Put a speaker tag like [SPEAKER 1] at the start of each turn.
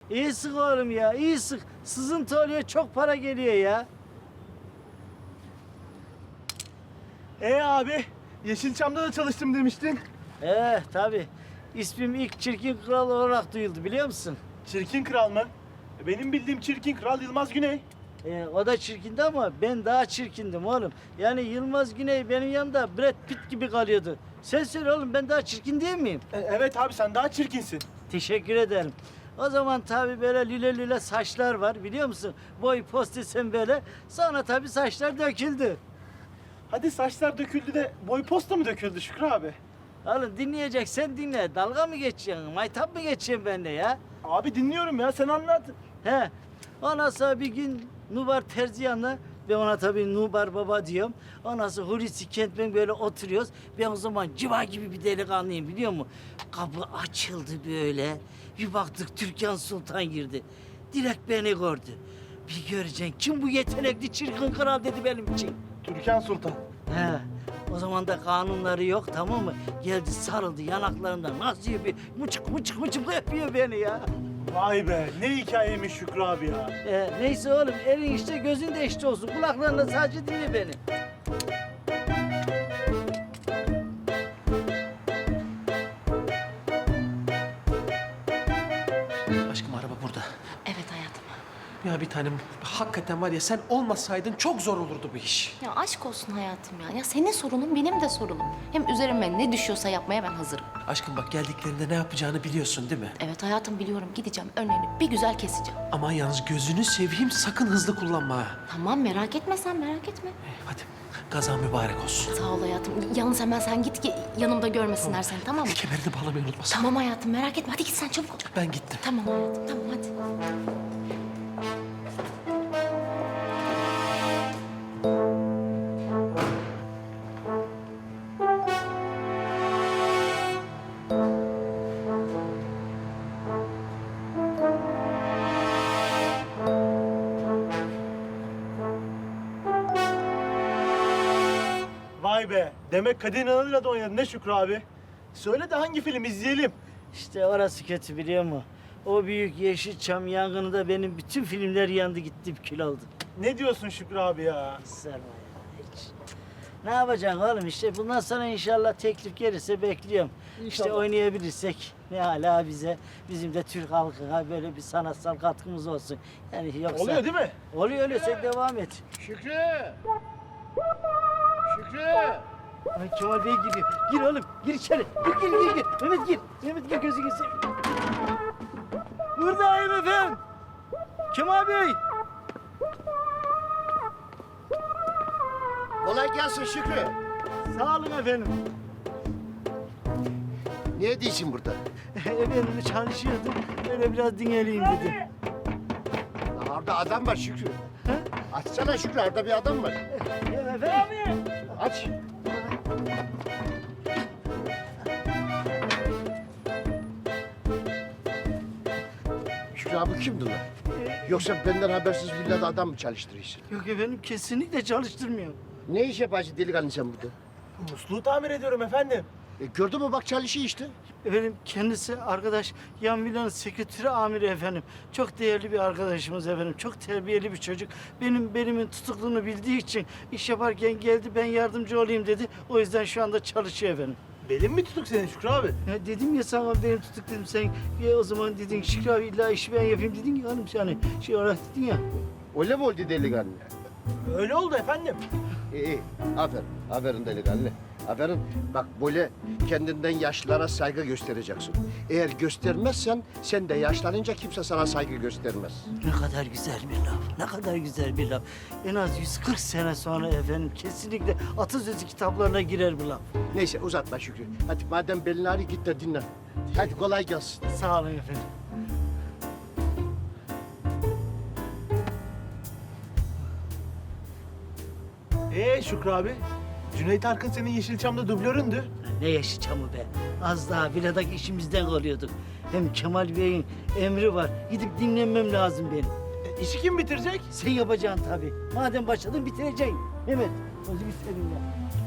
[SPEAKER 1] İyi sık oğlum ya, iyi sık. Sızıntı oluyor, çok para geliyor ya.
[SPEAKER 2] Abi, Yeşilçam'da da çalıştım demiştin.
[SPEAKER 1] Tabii. İsmim ilk çirkin kral olarak duyuldu biliyor musun?
[SPEAKER 2] Çirkin Kral mı? Benim bildiğim Çirkin Kral Yılmaz Güney.
[SPEAKER 1] O da çirkindi ama ben daha çirkindim oğlum. Yani Yılmaz Güney benim yanımda Brad Pitt gibi kalıyordu. Sen söyle oğlum, ben daha çirkin değil miyim?
[SPEAKER 2] Evet abi, sen daha çirkinsin.
[SPEAKER 1] Teşekkür ederim. O zaman tabii böyle lüle lüle saçlar var biliyor musun? Boy post desem böyle. Sonra tabii saçlar döküldü.
[SPEAKER 2] Hadi saçlar döküldü de boy posta mı döküldü Şükrü abi?
[SPEAKER 1] Oğlum dinleyeceksen dinle. Dalga mı geçeceksin? Maytap mı geçeceksin benimle ya?
[SPEAKER 2] Abi dinliyorum ya, sen anlat.
[SPEAKER 1] He. Ondan sonra bir gün Nubar Terzi yanına, ben ona tabii Nubar Baba diyorum. Ondan sonra Hulusi Kentmen böyle oturuyoruz. Ben o zaman civa gibi bir delikanlıyım biliyor musun? Kapı açıldı böyle. Bir baktık Türkan Sultan girdi. Direkt beni gördü. Bir göreceksin kim bu yetenekli çirkin kral dedi benim için.
[SPEAKER 2] Türkan Sultan.
[SPEAKER 1] He. O zaman da kanunları yok tamam mı? Geldi sarıldı yanaklarından nasıl bir mıçık yapıyor beni ya.
[SPEAKER 2] Vay be, ne hikayeymiş Şükrü abi ya.
[SPEAKER 1] Neyse oğlum elin işte gözün de işte olsun. Kulaklarınla sadece dinle beni.
[SPEAKER 3] Aşkım araba burada.
[SPEAKER 4] Evet hayatım.
[SPEAKER 3] Ya bir tanem hakikaten var ya sen olmasaydın çok zor olurdu bu iş.
[SPEAKER 4] Ya aşk olsun hayatım ya. Ya senin sorunun benim de sorunum. Hem üzerime ne düşüyorsa yapmaya ben hazırım.
[SPEAKER 3] Aşkım bak geldiklerinde ne yapacağını biliyorsun değil mi?
[SPEAKER 4] Evet hayatım biliyorum. Gideceğim önlerini bir güzel keseceğim.
[SPEAKER 3] Ama yalnız gözünü seveyim sakın hızlı kullanma ha.
[SPEAKER 4] Tamam merak etme sen merak etme.
[SPEAKER 3] Hadi kazan mübarek olsun.
[SPEAKER 4] Sağ ol hayatım. Yalnız hemen sen git ki yanımda görmesinler seni tamam mı?
[SPEAKER 3] Kemerini bağlamayı unutmasın.
[SPEAKER 4] Tamam hayatım merak etme. Hadi git sen çabuk ol.
[SPEAKER 3] Ben gittim.
[SPEAKER 4] Tamam hayatım tamam hadi.
[SPEAKER 2] Vay be, demek Kadir İnanır'la da oynadın ne Şükrü abi? Söyle de hangi film izleyelim?
[SPEAKER 1] İşte orası kötü biliyor musun? O büyük Yeşilçam yangınında benim bütün filmler yandı gitti kül oldu.
[SPEAKER 2] Ne diyorsun Şükrü abi ya?
[SPEAKER 1] Sarma ya hiç. Ne yapacaksın oğlum işte bundan sonra inşallah teklif gelirse bekliyorum. İşte oynayabilirsek ne hala bize, bizim de Türk halkına böyle bir sanatsal katkımız olsun. Yani yoksa...
[SPEAKER 2] Oluyor değil mi?
[SPEAKER 1] Oluyor sen devam et.
[SPEAKER 5] Şükrü! Şükrü!
[SPEAKER 1] Ay Kemal Bey giriyor. Gir oğlum gir içeri. Gir. Mehmet gir. Mehmet gir gözünü seveyim. Buradayım efendim. Kemal Bey.
[SPEAKER 5] Kolay gelsin Şükrü.
[SPEAKER 1] Sağ olun efendim.
[SPEAKER 5] Ne ediyorsun burada?
[SPEAKER 1] Efendim çalışıyordum. Böyle biraz dinleneyim dedim.
[SPEAKER 5] Ya orada adam var Şükrü. Açsana Şükrü, orada bir adam var.
[SPEAKER 1] Ya efendim.
[SPEAKER 5] Aç. Şükrü abi kimdi lan? Yoksa benden habersiz villada adam mı çalıştırıyorsun?
[SPEAKER 1] Yok efendim kesinlikle çalıştırmıyor.
[SPEAKER 5] Ne iş yaparsın delikanlı sen burada?
[SPEAKER 2] Musluğu tamir ediyorum efendim.
[SPEAKER 5] Gördün mü bak çalışıyor işte.
[SPEAKER 1] Efendim kendisi arkadaş yan villanın sekreteri amiri efendim. Çok değerli bir arkadaşımız efendim. Çok terbiyeli bir çocuk. Benimin tutukluğunu bildiği için iş yaparken geldi ben yardımcı olayım dedi. O yüzden şu anda çalışıyor efendim.
[SPEAKER 2] Belin mi tutuk senin Şükrü abi?
[SPEAKER 1] Ya dedim ya sana benim tutuk dedim sen ya o zaman dedin Şükrü abi illa işi ben yapayım dedin ya hanım yani şey olarak dedin ya.
[SPEAKER 5] Öyle mi oldu delikanlı?
[SPEAKER 2] Öyle oldu efendim.
[SPEAKER 5] İyi. Aferin. Aferin delikanlı. Aferin. Bak böyle kendinden yaşlılara saygı göstereceksin. Eğer göstermezsen sen de yaşlanınca kimse sana saygı göstermez.
[SPEAKER 1] Ne kadar güzel bir laf, ne kadar güzel bir laf. En az 140 sene sonra efendim kesinlikle atasözü kitaplarına girer bu laf.
[SPEAKER 5] Neyse uzatma Şükrü. Hadi madem belin ağrıyor git de dinlen. Hadi kolay gelsin.
[SPEAKER 1] Sağ olun efendim.
[SPEAKER 2] Şükrü abi, Cüneyt Arkın senin Yeşilçam'da dublöründü.
[SPEAKER 1] Ne Yeşilçam'ı be. Az daha villadaki işimizden kalıyorduk. Hem Kemal Bey'in emri var. Gidip dinlenmem lazım benim.
[SPEAKER 2] İşi kim bitirecek?
[SPEAKER 1] Sen yapacaksın tabii. Madem başladın bitireceksin. Mehmet, hadi bitirelim ya.